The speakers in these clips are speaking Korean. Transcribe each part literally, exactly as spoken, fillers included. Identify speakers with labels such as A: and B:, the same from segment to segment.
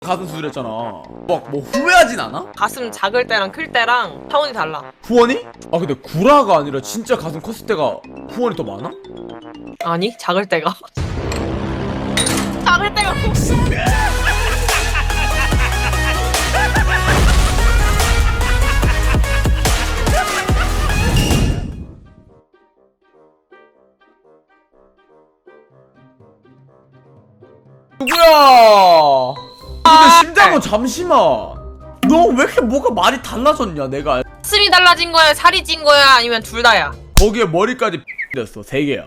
A: 가슴 수술했잖아. 막 뭐 후회하진 않아?
B: 가슴 작을 때랑 클 때랑 차원이 달라.
A: 후원이? 아 근데 구라가 아니라 진짜 가슴 컸을 때가 후원이 더 많아?
B: 아니 작을 때가 작을 때가
A: 누구야? 근데
B: 아,
A: 심장은 잠시만. 너 왜 이렇게 뭐가 말이 달라졌냐? 내가
B: 가슴이 달라진 거야, 살이 찐 거야, 아니면 둘 다야?
A: 거기에 머리까지 됐어. 세 개야.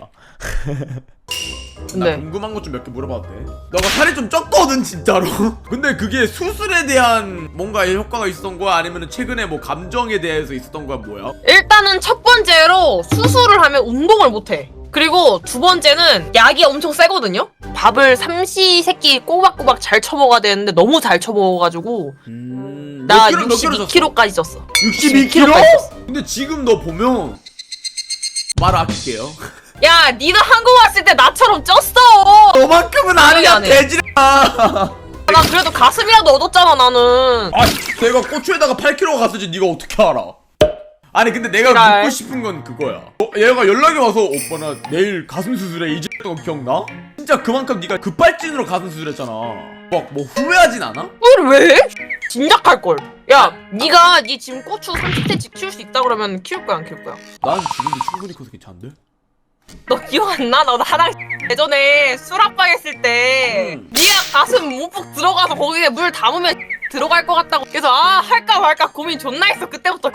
A: 나
B: 네.
A: 궁금한 것 좀 몇 개 물어봐도 돼? 너가 살이 좀 쪘거든 진짜로. 근데 그게 수술에 대한 뭔가 효과가 있었던 거야? 아니면 최근에 뭐 감정에 대해서 있었던 거야? 뭐야?
B: 일단은 첫 번째로 수술을 하면 운동을 못해. 그리고 두 번째는 약이 엄청 세거든요? 밥을 삼시세끼 꼬박꼬박 잘 쳐먹어야 되는데 너무 잘 쳐먹어가지고
A: 음...
B: 나
A: 몇 킬로, 몇 킬로
B: 육십이 킬로그램까지 쪘어.
A: 육십이 킬로?
B: 킬로그램까지 쪘어.
A: 근데 지금 너 보면 말 아낄게요.
B: 야, 니도 한국 왔을 때 나처럼 쪘어.
A: 너만큼은 아니야
B: 안 해.
A: 돼지라.
B: 나 그래도 가슴이라도 얻었잖아 나는.
A: 아 내가 고추에다가 팔 킬로그램 갔을지 네가 어떻게 알아? 아니 근데 내가
B: 지랄.
A: 묻고 싶은 건 그거야. 어, 얘가 연락이 와서 오빠 나 내일 가슴 수술해 이제 거 기억나? 진짜 그만큼 네가 급발진으로 가슴 수술했잖아. 막 뭐 후회하진 않아?
B: 왜 왜? 진작할 걸. 야, 니가 니 지금 고추 삼십 센치 키울 수 있다 그러면 키울 거야 안 키울 거야?
A: 난 지금도 충분히 커서 괜찮은데?
B: 너 기억 안 나? 너 나랑 예전에 수락방 했을 때
A: 음.
B: 니가 가슴 움푹 들어가서 거기에 물 담으면 들어갈 것 같다고 그래서 아 할까 말까 고민 존나 했어 그때부터.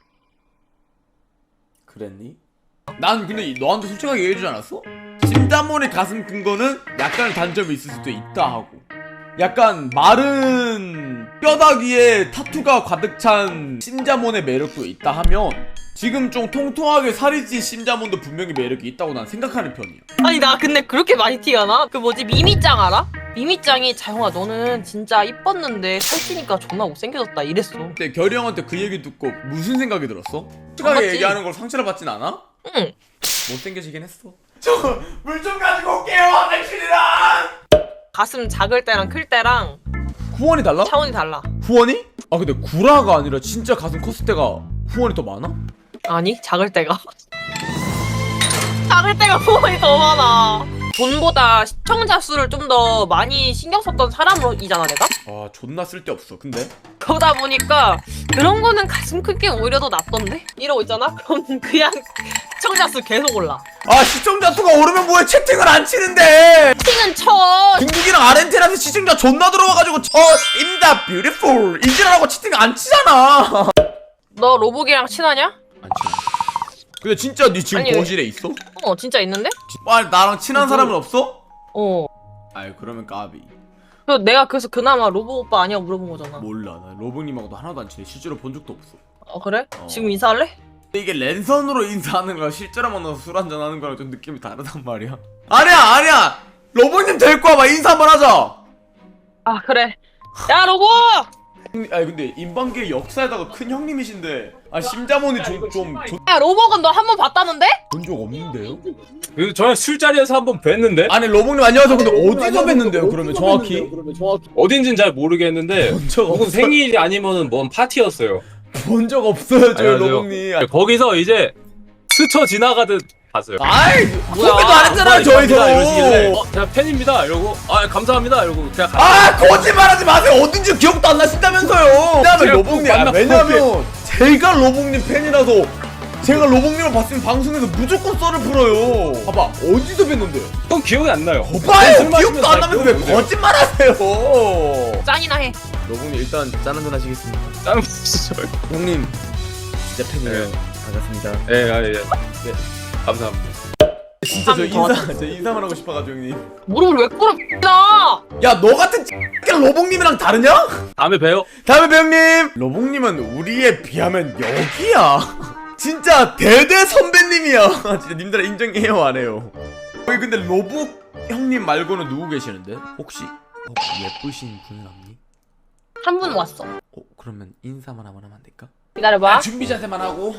A: 그랬니? 난 근데 너한테 솔직하게 얘기해주지 않았어? 심자몬의 가슴 큰 거는 약간의 단점이 있을 수도 있다 하고 약간 마른 뼈다귀 위에 타투가 가득 찬 심자몬의 매력도 있다 하면 지금 좀 통통하게 살이 찐 심자몬도 분명히 매력이 있다고 난 생각하는 편이야.
B: 아니 나 근데 그렇게 많이 티가 나? 그 뭐지 미미짱 알아? 미미짱이 자영아 너는 진짜 이뻤는데 살찌니까 존나 못생겨졌다 이랬어.
A: 근데 결이 형한테 그 얘기 듣고 무슨 생각이 들었어? 솔직하게
B: 맞지?
A: 얘기하는 걸 상처를 받진 않아?
B: 응.
A: 못생겨지긴 했어. 저 물 좀 가지고 올게요 화장실이랑.
B: 가슴 작을 때랑 클 때랑
A: 후원이 달라?
B: 차원이 달라.
A: 후원이? 아 근데 구라가 아니라 진짜 가슴 컸을 때가 후원이 더 많아?
B: 아니 작을 때가 작을 때가 후원이 더 많아. 돈보다 시청자 수를 좀 더 많이 신경 썼던 사람이잖아 내가?
A: 아 존나 쓸데없어. 근데?
B: 그러다 보니까 그런 거는 가슴 큰 게 오히려 더 낫던데? 이러고 있잖아? 그럼 그냥 시청자 수 계속 올라.
A: 아 시청자 수가 오르면 뭐해. 채팅을 안 치는데.
B: 채팅은 쳐.
A: 중국이랑 아르헨티나에서 시청자 존나 들어와가지고 저 임다 뷰티풀 이지라고 채팅 안 치잖아.
B: 너 로복이랑 친하냐?
A: 안 치. 근데 진짜 니 지금
B: 아니,
A: 거실에 있어?
B: 어 진짜 있는데?
A: 아 나랑 친한
B: 어,
A: 사람은 없어?
B: 어.
A: 아이 그러면 까비.
B: 그래서 내가 그래서 그나마 로복 오빠 아니야 물어본 거잖아.
A: 몰라 나 로봇님하고도 하나도 안 친해. 실제로 본 적도 없어.
B: 어 그래?
A: 어.
B: 지금 인사할래?
A: 근데 이게 랜선으로 인사하는 거랑 실제로 만나서 술 한잔 하는 거랑 좀 느낌이 다르단 말이야. 아니야 아니야 로봇님 될 거야. 막 인사 한번 하자.
B: 아 그래. 야 로복!
A: 아니 근데 인방계 역사에다가 큰 형님이신데 아 심자몬이 좀좀본적
B: 야 로복은 너 한 번 봤다는데?
A: 없는데요?
C: 그래서 저는 술자리에서 한번 뵀는데
A: 아니 로봇님 안녕하세요. 근데 어디서 뵀는데요? 그러면 정확히
C: 어딘진 잘 모르겠는데
A: 본 적
C: 혹은
A: 없어요.
C: 생일이 아니면은 뭔 파티였어요.
A: 본 적 없어요 저희
C: 안녕하세요.
A: 로봇님.
C: 거기서 이제 스쳐 지나가듯 봤어요.
A: 아이
B: 뭐야.
A: 소개도 안 했잖아요 저희
C: 감사합니다 이러시길래
A: 서로.
C: 어, 제가 팬입니다 이러고 아 감사합니다 이러고 그냥 가.
A: 아 거짓말하지 마세요. 어딘지 기억도 안 나신다면서요. 왜냐면
C: 제가
A: 로봉님 아,
C: 만나
A: 왜냐면 제가 로봉님 팬이라서 제가 로봉님을 봤으면 방송에서 무조건 썰을 풀어요. 봐봐 어디서 뵀는데요?
C: 그건 기억이 안 나요.
A: 거봐요
C: 술 마시면
A: 기억도 안
C: 잘
A: 나면서
C: 기억이
A: 왜
C: 못해요.
A: 거짓말하세요?
B: 짠이나 해.
A: 로봉님 일단 짠 한잔 하시겠습니다.
C: 다른 분이죠.
A: 형님 진짜 팬이에요.
C: 네.
A: 반갑습니다.
C: 예, 아, 예, 예. 감사합니다.
A: 진짜 저
B: 한 번 더
A: 인사 저 인사만 하고 싶어가지고 형님.
B: 무릎을 왜 꿇어 나?
A: 야 너 같은 X가 로봉님이랑 다르냐?
C: 다음에 봬요.
A: 다음에 배우님. 로봉님은 우리에 비하면 여기야. 진짜 대대 선배님이야. 진짜 님들아 인정해요 안 해요? 여기 근데 로복 형님 말고는 누구 계시는데? 혹시 혹시 예쁘신 분은 없니?
B: 한 분 왔어.
A: 어 그러면 인사만 한번 하면 안 될까?
B: 기다려봐.
A: 준비 자세만 하고.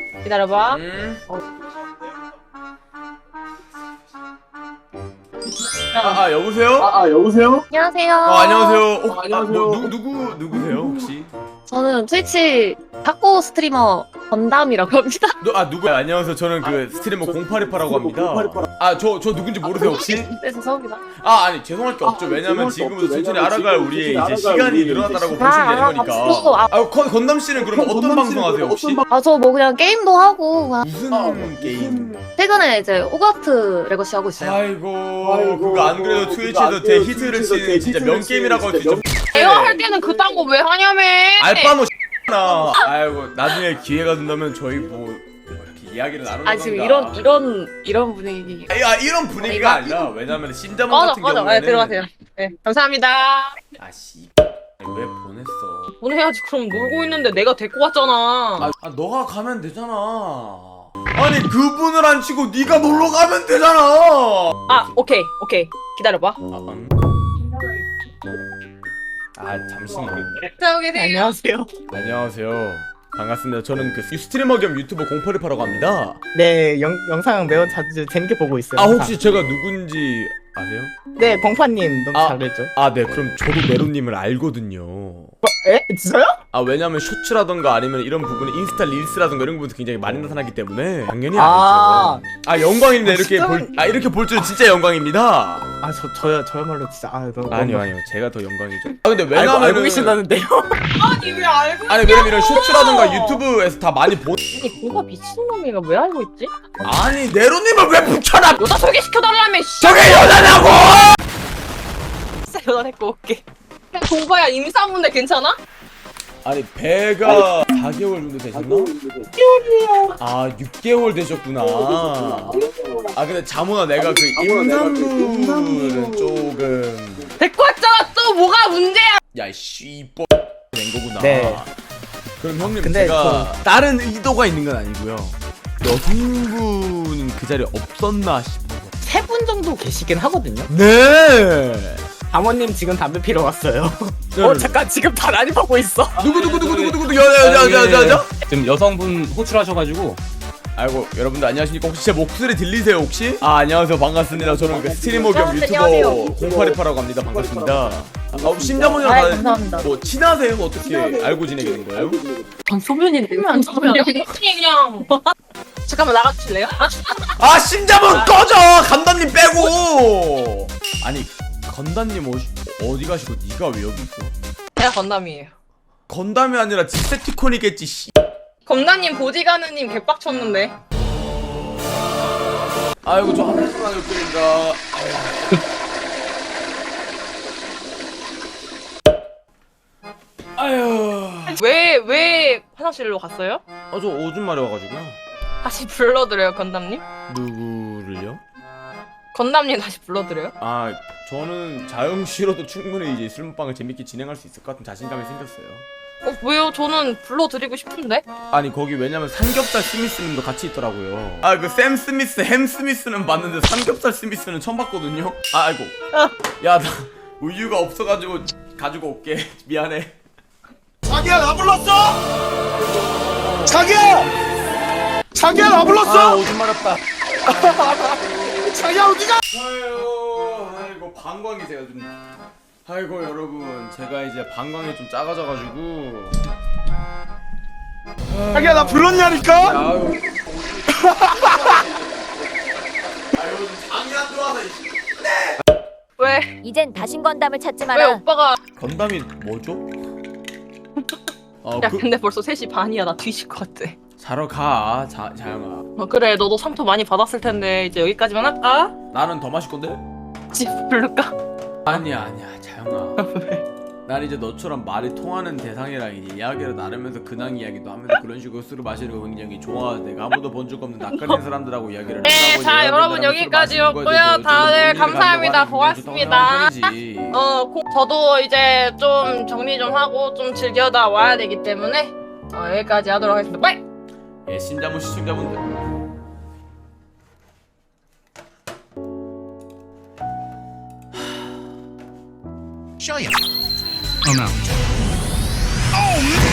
B: 기다려봐.
A: 음. 아, 아 여보세요?
D: 아, 아 여보세요?
E: 안녕하세요.
A: 어, 안녕하세요. 어, 아,
D: 안녕하세요.
A: 뭐, 누, 누구 누구세요 혹시?
E: 저는 트위치 탁구 스트리머 건담이라고 합니다.
A: 누, 아 누구? 안녕하세요. 저는 그 스트리머 공팔이팔라고 합니다. 아 저 저 누군지 모르세요 혹시?
E: 네, 죄송합니다.
A: 아 아니 죄송할 게 없죠. 왜냐면 지금부터 천천히 알아갈 우리의 이제 시간이 늘어났다라고 보시면
E: 아,
A: 되는
E: 아,
A: 거니까.
E: 앞으로, 아,
A: 아 건, 건담 씨는 그럼 어떤 방송 하세요 혹시?
E: 아, 저 뭐 그냥 게임도 하고, 그냥
A: 무슨 게임?
E: 최근에 이제 오가트 레거시 하고 있어요.
A: 아이고, 그거 안 그래도 트위치에서 대히트를 치는 진짜 명게임이라고 할 수 있죠.
B: 내가 할 때는 그딴 거 왜 하냐며.
A: 알바노 나. 아이고 나중에 기회가 된다면 저희 뭐, 뭐 이렇게 이야기를 나누는
E: 아, 지금 이런, 이런, 이런 분위기.
A: 야 이런 분위기가 아니라 왜냐면 신자문
B: 맞아
A: 같은
B: 맞아.
A: 경우에는
B: 네, 들어가세요. 네 감사합니다.
A: 아씨 왜 보냈어?
B: 보내야지. 그럼 놀고 있는데 내가 데리고 왔잖아.
A: 아, 아 너가 가면 되잖아. 아니 그분을 안 치고 네가 놀러 가면 되잖아.
B: 아 오케이 오케이 기다려봐.
A: 아, 음. 아 잠시만.
B: 자 여기 네.
F: 안녕하세요.
A: 안녕하세요. 반갑습니다. 저는 그 스트리머 겸 유튜버 공팔이팔라고 합니다.
F: 네, 영, 영상 매우 자주 재밌게 보고 있어요.
A: 아
F: 항상.
A: 혹시 제가 누군지 아세요?
F: 네, 공파님 너무
A: 아.
F: 잘했죠.
A: 아 네 그럼 저도 네로님을 알거든요.
F: 에? 진짜요?
A: 아 왜냐면 쇼츠라던가 아니면 이런 부분이 인스타 릴스라던가 이런 부분도 굉장히 많이 나타나기 때문에 당연히
F: 아.
A: 알죠. 아 영광입니다.
F: 아,
A: 이렇게
F: 진짜?
A: 볼, 아 이렇게 볼 줄은 진짜 영광입니다.
F: 아, 저 저요 저야말로 진짜 아, 너무
A: 아니요
F: 너무-
A: 아니요 제가 더 영광이죠. 아 근데
F: 알고,
A: 왜냐면
F: 알고 계신다는데요.
B: 아니 왜 알고?
A: 아니 왜냐면 이런 쇼츠라던가 유튜브에서 다 많이 본.
B: 아니 공가 미친놈이가 왜 알고 있지?
A: 아니 네로님을 왜 붙여놔?
B: 여자 소개시켜달라며. 씨.
A: 저게 여자냐고!
B: 진짜 여자 데리고 올게. 공가야 임산부인데 괜찮아?
A: 아니 배가 사 개월 정도 되셨나? 아 육 개월 되셨구나. 아 근데 자모나 내가 그 임산부는 조금
B: 데리고 왔잖아. 또 뭐가 문제야?
A: 야씨 낸 거구나.
F: 네.
A: 그럼 형님
F: 근데
A: 제가 다른 의도가 있는 건 아니고요. 여성분은 그 자리에 없었나 싶어서.
F: 세 분 정도 계시긴 하거든요.
A: 네.
F: 사모님 지금 담배 피러 왔어요.
A: 네.
F: 어, 잠깐 지금 다 난이 보고 있어.
A: 누구 누구 누구 누구 누구 여자 여자 여자 여자 여자?
C: 지금 여성분 호출하셔가지고
A: 아이고 여러분들 안녕하십니까. 혹시 제 목소리 들리세요 혹시? 아 안녕하세요 반갑습니다. 저는 그 스트리머 겸 유튜버
E: 안녕하세요.
A: 공팔이팔라고 합니다. 반갑습니다. 아, 심자모니랑
E: 아이,
A: 다들
E: 감사합니다.
A: 뭐 친하세요? 어떻게 알고 지내게 된 거예요?
E: 전 소면인데, 안 소면.
B: 그냥 잠깐만 나가주실래요?
A: 아 심자몬 꺼져! 건담님 빼고! 아니 건담님 어디, 어디 가시고 네가 왜 여기 있어?
B: 제가 건담이에요.
A: 건담이 아니라 디세티콘이겠지 씨.
B: 건담님 보디가드님 개빡쳤는데.
A: 아이고 저 화장실 다녀올게요. 아유.
B: 왜 왜 화장실로 갔어요?
A: 아저 오줌 마려 와가지고요.
B: 다시 불러드려요 건담님?
A: 누구를요?
B: 건담님 다시 불러드려요?
A: 아 저는 자영 씨로도 충분히 이제 술먹방을 재밌게 진행할 수 있을 것 같은 자신감이 생겼어요.
B: 어 왜요? 저는 불러드리고 싶은데.
A: 아니 거기 왜냐면 삼겹살 스미스님도 같이 있더라고요. 아 그 샘 스미스, 햄 스미스는 봤는데 삼겹살 스미스는 처음 봤거든요. 아 아이고. 야 나 우유가 없어가지고 가지고 올게. 미안해.
D: 자기야 나 불렀어? 자기야! 자기야 나
A: 아
D: 불렀어?
A: 오줌 마렵다.
D: 자기야 어디가?
A: 아유 아이고 방광이 제가 좀. 아이고 여러분 제가 이제 방광이 좀 작아져가지고.
D: 자기야 나 불렀냐니까?
A: 아유. 아유 장이 안 좋아서.
B: 왜?
G: 이젠 다신 건담을 찾지
B: 왜
G: 마라.
B: 오빠가?
A: 건담이 뭐죠? 어,
B: 야
A: 그,
B: 근데 벌써 세 시 반이야. 나 뒤질 것 같아.
A: 자러 가, 자, 자영아.
B: 어 그래 너도 상토 많이 받았을 텐데 이제 여기까지만 할까?
A: 나는 더 마실 건데?
B: 집 부를까?
A: 아니야, 아니야, 자영아. 난 이제 너처럼 말이 통하는 대상이랑 이제 이야기를 나누면서 근황 이야기도 하면서 그런 식으로 술을 마시는 거 굉장히 좋아. 내가 아무도 본 적 없는 낯가리는 사람들하고 이야기를
B: 네,
A: 한다고
B: 자,
A: 이야기를
B: 여러분,
A: 하면서 술
B: 여기까지였고요.
A: 마시는 거에 대해서
B: 다들
A: 좀 논의를
B: 감사합니다.
A: 가져가는 굉장히 좋다고
B: 고맙습니다.
A: 생각하는
B: 어 고, 저도 이제 좀 정리 좀 하고 좀 즐겨다 와야 되기 때문에 어, 여기까지 하도록 하겠습니다. 빠이!
A: 편이지. 예, 신자분 시청자분들.
D: Oh no.